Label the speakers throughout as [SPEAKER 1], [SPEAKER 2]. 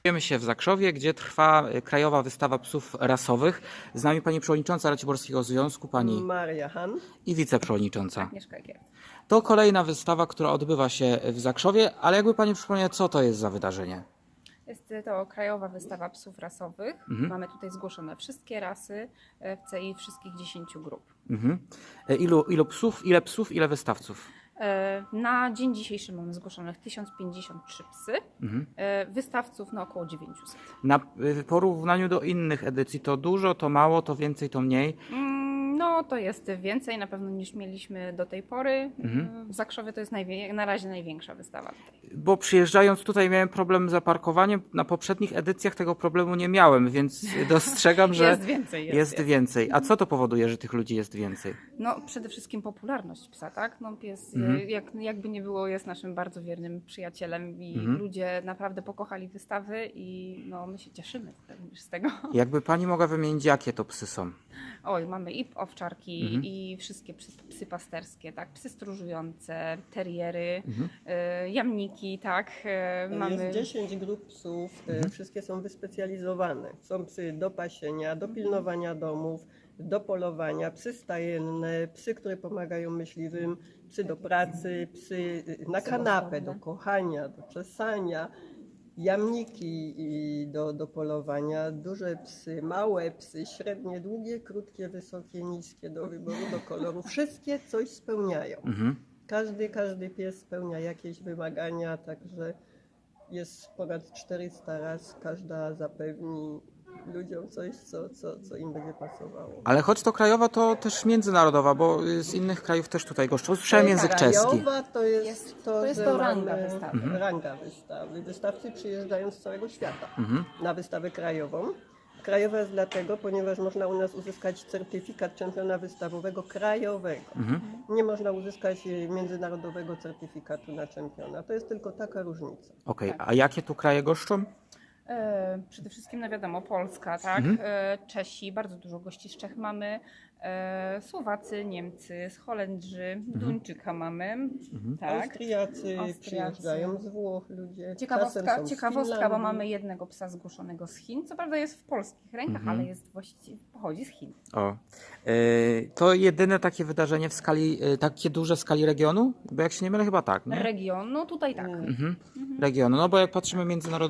[SPEAKER 1] Znajdujemy się w Zakrzowie, gdzie trwa Krajowa Wystawa Psów Rasowych. Z nami pani przewodnicząca Raciborskiego Związku, pani
[SPEAKER 2] Maria Han.
[SPEAKER 1] i wiceprzewodnicząca.
[SPEAKER 3] Agnieszka Gier.
[SPEAKER 1] To kolejna wystawa, która odbywa się w Zakrzowie, ale jakby pani przypomniała, co to jest za wydarzenie?
[SPEAKER 3] Jest to Krajowa Wystawa Psów Rasowych. Mamy tutaj zgłoszone wszystkie rasy w CI wszystkich 10 grup.
[SPEAKER 1] Ile psów, ile wystawców?
[SPEAKER 3] Na dzień dzisiejszy mamy zgłoszonych 1053 psy, wystawców około 900.
[SPEAKER 1] W porównaniu do innych edycji to dużo, to mało, to więcej, to mniej?
[SPEAKER 3] No to jest więcej na pewno niż mieliśmy do tej pory. W Zakrzowie to jest na razie największa wystawa tutaj.
[SPEAKER 1] Bo przyjeżdżając tutaj miałem problem z zaparkowaniem. Na poprzednich edycjach tego problemu nie miałem, więc dostrzegam, że
[SPEAKER 3] Jest więcej.
[SPEAKER 1] jest więcej. A co to powoduje, że tych ludzi jest więcej?
[SPEAKER 3] No przede wszystkim popularność psa, tak? No pies jakby nie było jest naszym bardzo wiernym przyjacielem i ludzie naprawdę pokochali wystawy i no my się cieszymy z tego.
[SPEAKER 1] Jakby pani mogła wymienić, jakie to psy są?
[SPEAKER 3] Oj, mamy i owczarki i wszystkie psy pasterskie, tak? Psy stróżujące, teriery, jamniki, tak? Mamy...
[SPEAKER 2] Jest 10 grup psów, wszystkie są wyspecjalizowane. Są psy do pasienia, do pilnowania domów, do polowania, psy stajenne, psy, które pomagają myśliwym, psy do pracy, psy na kanapę, do kochania, do czesania, jamniki do polowania, duże psy, małe psy, średnie, długie, krótkie, wysokie, niskie, do wyboru, do koloru. Wszystkie coś spełniają. Każdy pies spełnia jakieś wymagania, także jest ponad 400 ras, każda zapewni ludziom coś, co im będzie pasowało.
[SPEAKER 1] Ale choć to krajowa, to też międzynarodowa, bo z innych krajów też tutaj goszczą. Słyszałem język czeski.
[SPEAKER 2] Krajowa to jest
[SPEAKER 3] to ranga wystawy.
[SPEAKER 2] Ranga wystawy. Wystawcy przyjeżdżają z całego świata na wystawę krajową. Krajowa jest dlatego, ponieważ można u nas uzyskać certyfikat czempiona wystawowego krajowego. Nie można uzyskać międzynarodowego certyfikatu na czempiona. To jest tylko taka różnica.
[SPEAKER 1] Okej, a jakie tu kraje goszczą?
[SPEAKER 3] Przede wszystkim, no wiadomo, Polska, tak? Czesi, bardzo dużo gości z Czech mamy, Słowacy, Niemcy, z Holendrzy, Duńczyka mamy, tak?
[SPEAKER 2] Austriacy przyjeżdżają z Włoch, ludzie.
[SPEAKER 3] Ciekawostka, bo mamy jednego psa zgłoszonego z Chin, co prawda jest w polskich rękach, ale pochodzi z Chin.
[SPEAKER 1] To jedyne takie wydarzenie w skali, takie duże w skali regionu? Bo jak się nie mylę, chyba tak, nie?
[SPEAKER 3] Region, no tutaj tak.
[SPEAKER 1] Regionu, no bo jak patrzymy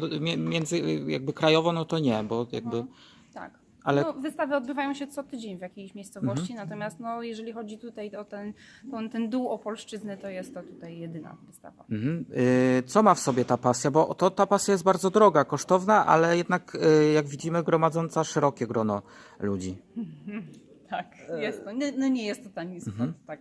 [SPEAKER 1] jakby krajowo, no to nie, bo jakby...
[SPEAKER 3] Tak.
[SPEAKER 1] Ale...
[SPEAKER 3] No, wystawy odbywają się co tydzień w jakiejś miejscowości, natomiast no, jeżeli chodzi tutaj o ten dół Opolszczyzny, to jest to tutaj jedyna wystawa.
[SPEAKER 1] Co ma w sobie ta pasja? Bo ta pasja jest bardzo droga, kosztowna, ale jednak jak widzimy gromadząca szerokie grono ludzi.
[SPEAKER 3] Tak, jest to. Nie jest to tani sport, tak.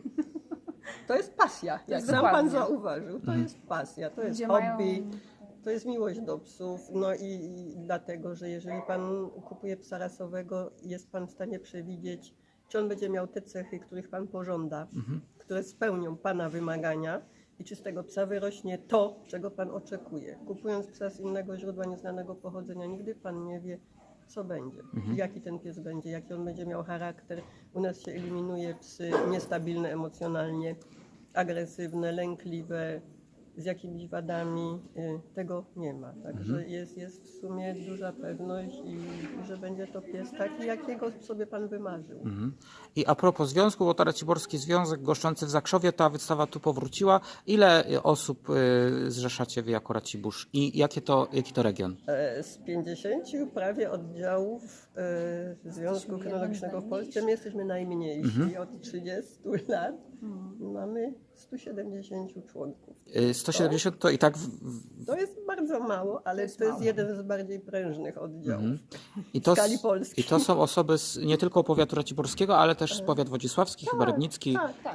[SPEAKER 2] To jest pasja, jak sam pan zauważył, to jest pasja, to jest hobby. To jest miłość do psów, no i dlatego, że jeżeli pan kupuje psa rasowego, jest pan w stanie przewidzieć, czy on będzie miał te cechy, których pan pożąda, które spełnią pana wymagania i czy z tego psa wyrośnie to, czego pan oczekuje. Kupując psa z innego źródła, nieznanego pochodzenia, nigdy pan nie wie, co będzie, jaki ten pies będzie, jaki on będzie miał charakter. U nas się eliminuje psy niestabilne emocjonalnie, agresywne, lękliwe, z jakimiś wadami, tego nie ma. Także jest w sumie duża pewność, że będzie to pies taki, jakiego sobie pan wymarzył.
[SPEAKER 1] I a propos związku, bo to Raciborski Związek goszczący w Zakrzowie, ta wystawa tu powróciła. Ile osób zrzeszacie wy jako Racibórz i jaki to region?
[SPEAKER 2] Z 50 prawie oddziałów Związku Kynologicznego w Polsce my jesteśmy najmniejsi. Od 30 lat mamy 170 członków.
[SPEAKER 1] 170 to i tak...
[SPEAKER 2] To jest bardzo mało, ale to jest jeden z bardziej prężnych oddziałów
[SPEAKER 1] w
[SPEAKER 2] skali Polski.
[SPEAKER 1] I to są osoby nie tylko powiatu raciborskiego, ale też z powiat wodzisławski, chyba Rybnicki.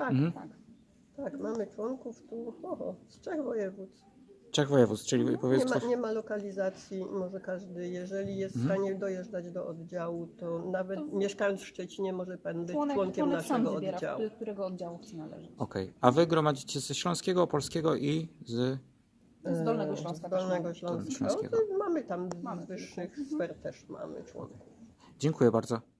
[SPEAKER 2] Tak, mamy członków tu z 3 województw.
[SPEAKER 1] 3 województw, czyli powiedzmy...
[SPEAKER 2] Nie ma lokalizacji, może każdy, jeżeli jest w stanie dojeżdżać do oddziału, to nawet mieszkając w Szczecinie może pan być członkiem naszego oddziału.
[SPEAKER 3] Którego oddziału chce należeć.
[SPEAKER 1] Okej. A wy gromadzicie ze Śląskiego, Opolskiego i z
[SPEAKER 3] Dolnego Śląska.
[SPEAKER 2] Dolnego Śląska. No, mamy tam z wyższych sfer też mamy członków.
[SPEAKER 1] Dziękuję bardzo.